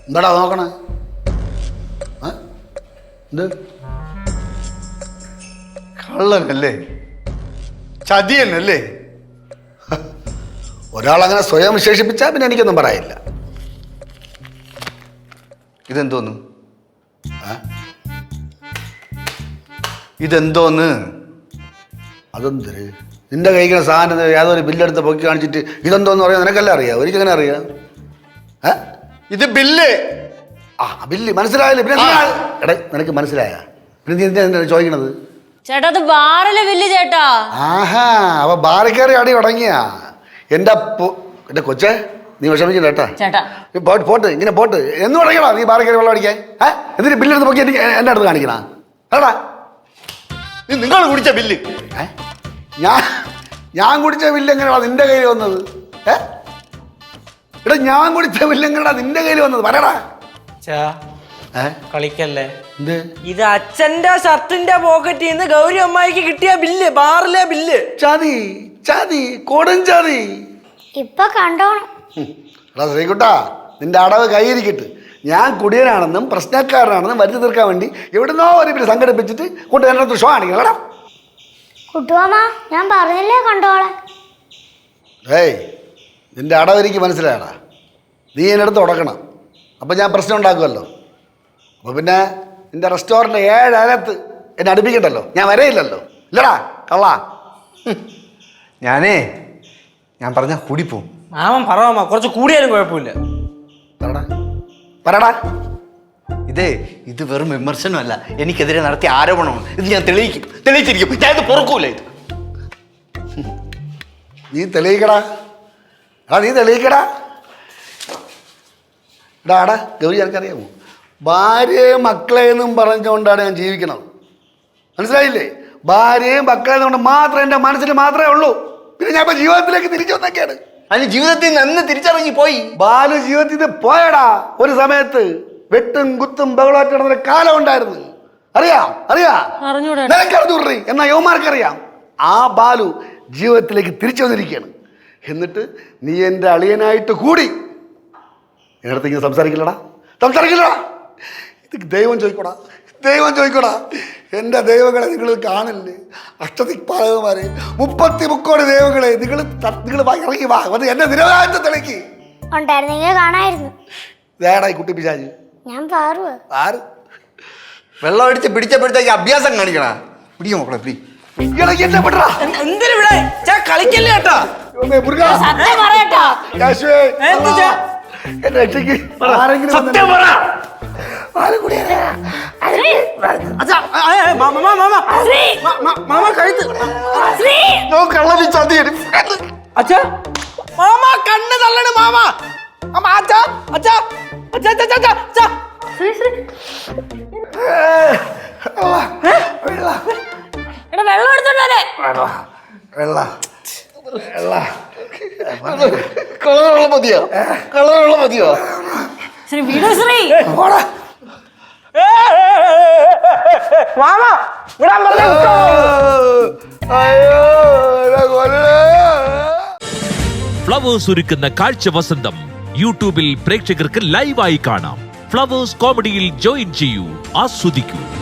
എന്താടാ നോക്കണേ? എന്ത് കള്ളനല്ലേ, ചതിയനല്ലേ? ഒരാളങ്ങനെ സ്വയം വിശേഷിപ്പിച്ചാൽ പിന്നെ എനിക്കൊന്നും പറയില്ല. ഇതെന്തോന്നു? ഇതെന്തോന്ന്? അതെന്തൊരു നിന്റെ കഴിക്കുന്ന സാധനം യാതൊരു ബില്ലെടുത്ത് പൊക്കി കാണിച്ചിട്ട് ഇതെന്തോന്ന് പറയാം? നിനക്കല്ല അറിയാം, എനിക്കെങ്ങനെ അറിയാം? ഇത് ബില്ല്. ബില്ല് മനസ്സിലായില്ലേ? പിന്നെ എടാ നിനക്ക് മനസ്സിലായ പിന്നെ നീ ചോദിക്കണത്? ചേട്ടാ അത് ബാറിലെ ബില്ല് ചേട്ടാ. ആഹാ, അപ്പൊ ബാറിൽ കയറി അടി തുടങ്ങിയ എന്റെ കൊച്ചേ, നീ വിഷമിച്ചില്ല കേട്ടാ. ചേട്ടാ പോട്ട് ഇങ്ങനെ പോട്ട് എന്ന് തുടങ്ങിയടാ നീ ബാറിൽ കയറി വെള്ളം അടിക്കാൻ. എന്നിട്ട് ബില്ലെടുത്ത് പൊക്കി എന്റെ അടുത്ത് കാണിക്കണ കേട്ടാ? നിങ്ങൾ കുടിച്ച ബില്ല് ഞാൻ കുടിച്ച ബില്ല് എങ്ങനെയാ നിന്റെ കയ്യിൽ വന്നത്? എടാ ഞാൻ കുടിച്ച ബില്ല് എങ്ങനെയാ നിന്റെ കയ്യിൽ വന്നത്? പറയടാ. കളിക്കല്ലേ, ഇത് അച്ഛന്റെ ഷർട്ടിന്റെ പോക്കറ്റിൽ നിന്ന് ഗൗരി അമ്മായിക്ക് കിട്ടിയ ബില്ല്, ബാറിലെ ബില്ല്. ചതി ചതി കൊടും ചതി. ഇപ്പൊ കണ്ടോണം. എടാ ശ്രീകുട്ടാ, നിന്റെ അടവ് കൈയിരിക്കട്ട്. ഞാൻ കുടിയനാണെന്നും പ്രശ്നക്കാരനാണെന്നും വരുത്തി തീർക്കാൻ വേണ്ടി എവിടുന്നോ ഒരു പേര് സംഘടിപ്പിച്ചിട്ട് കൊണ്ട് എൻ്റെ അടുത്ത് ഷോ കാണിക്കണം. കുട്ടുവാമ ഞാൻ പറഞ്ഞില്ലേ കണ്ടോളെ. ഏയ് നിന്റെ അടവ് എനിക്ക് മനസ്സിലായടാ. നീ എൻ്റെ അടുത്ത് ഉടക്കണം, അപ്പം ഞാൻ പ്രശ്നം ഉണ്ടാക്കുമല്ലോ. അപ്പോൾ പിന്നെ നിന്റെ റെസ്റ്റോറൻറ്റ് 7 അകത്ത് എന്നെ അടുപ്പിക്കണ്ടല്ലോ, ഞാൻ വരയില്ലല്ലോ. ഇല്ലടാ കള്ളാ. ഞാൻ പറഞ്ഞ കൂടിപ്പോവും. മാമൻ പറവാ, കുറച്ച് കൂടിയാലും കുഴപ്പമില്ല. പറടാ. ഇത് വെറും വിമർശനമല്ല, എനിക്കെതിരെ നടത്തിയ ആരോപണമാണ്. ഇത് ഞാൻ തെളിയിച്ചിരിക്കും. ഞാൻ ഇത് പൊറുക്കൂല. ഇത് നീ തെളിയിക്കടാ. നീ തെളിയിക്കടാ. എടാ ഗൗരി, എനിക്കറിയാമോ, ഭാര്യയും മക്കളെന്നും പറഞ്ഞുകൊണ്ടാണ് ഞാൻ ജീവിക്കുന്നത്. മനസ്സിലായില്ലേ? ഭാര്യയും മക്കളെന്നും കൊണ്ട് മാത്രം എൻ്റെ മനസ്സിൽ മാത്രമേ ഉള്ളൂ. പിന്നെ ഞാൻ ഇപ്പൊ ജീവിതത്തിലേക്ക് തിരിച്ചു വന്നൊക്കെയാണ്. അതിന് ജീവിതത്തിൽ നിന്ന് തിരിച്ചറിഞ്ഞു പോയി. ബാലു ജീവിതത്തിൽ നിന്ന് പോയടാ. ഒരു സമയത്ത് വെട്ടും കുത്തും ബഹളമായിട്ട് നടന്നൊരു കാലം ഉണ്ടായിരുന്നു. അറിയാം നിനക്കറിഞ്ഞൂറി, എന്നാ യുവമാർക്കറിയാം. ആ ബാലു ജീവിതത്തിലേക്ക് തിരിച്ചു വന്നിരിക്കുകയാണ്. എന്നിട്ട് നീ എൻ്റെ അളിയനായിട്ട് കൂടി എന്നടുത്ത് ഇങ്ങനെ സംസാരിക്കില്ലടാ. ഇത് ദൈവം ചോദിക്കോടാ. എൻ്റെ ദൈവങ്ങളെ നിങ്ങൾ കാണില്ലേ? അഷ്ടദിക്പാലകന്മാരെ, 30 ദൈവങ്ങളെ നിങ്ങൾ ഇറങ്ങി വാ, അത് എന്റെ നിരവധി തെളിക്ക് കാണായിരുന്നു. വേടായി കുട്ടി പിശാച്. ഞാൻ വെള്ളം അടിച്ച് പിടിച്ചപ്പോഴത്തേക്ക് അഭ്യാസം കാണിക്കണ. പിടിക്കും മക്കളെ, പിടി. കളിക്കല്ലേ കേട്ടോ. കണ്ണ് തള്ളണ് മാമ. വെള്ളം എടുത്തോണ്ടേ. കളറുള്ള മതിയോ? ശ്രീ വീട് ശ്രീ മാമ വിടാൻ പറഞ്ഞു. ഫ്ലവേഴ്സ് ഒരുക്കുന്ന കാഴ്ച വസന്തം യൂട്യൂബിൽ പ്രേക്ഷകർക്ക് ലൈവായി കാണാം. ഫ്ലവേഴ്സ് കോമഡിയിൽ ജോയിൻ ചെയ്യൂ, ആസ്വദിക്കൂ.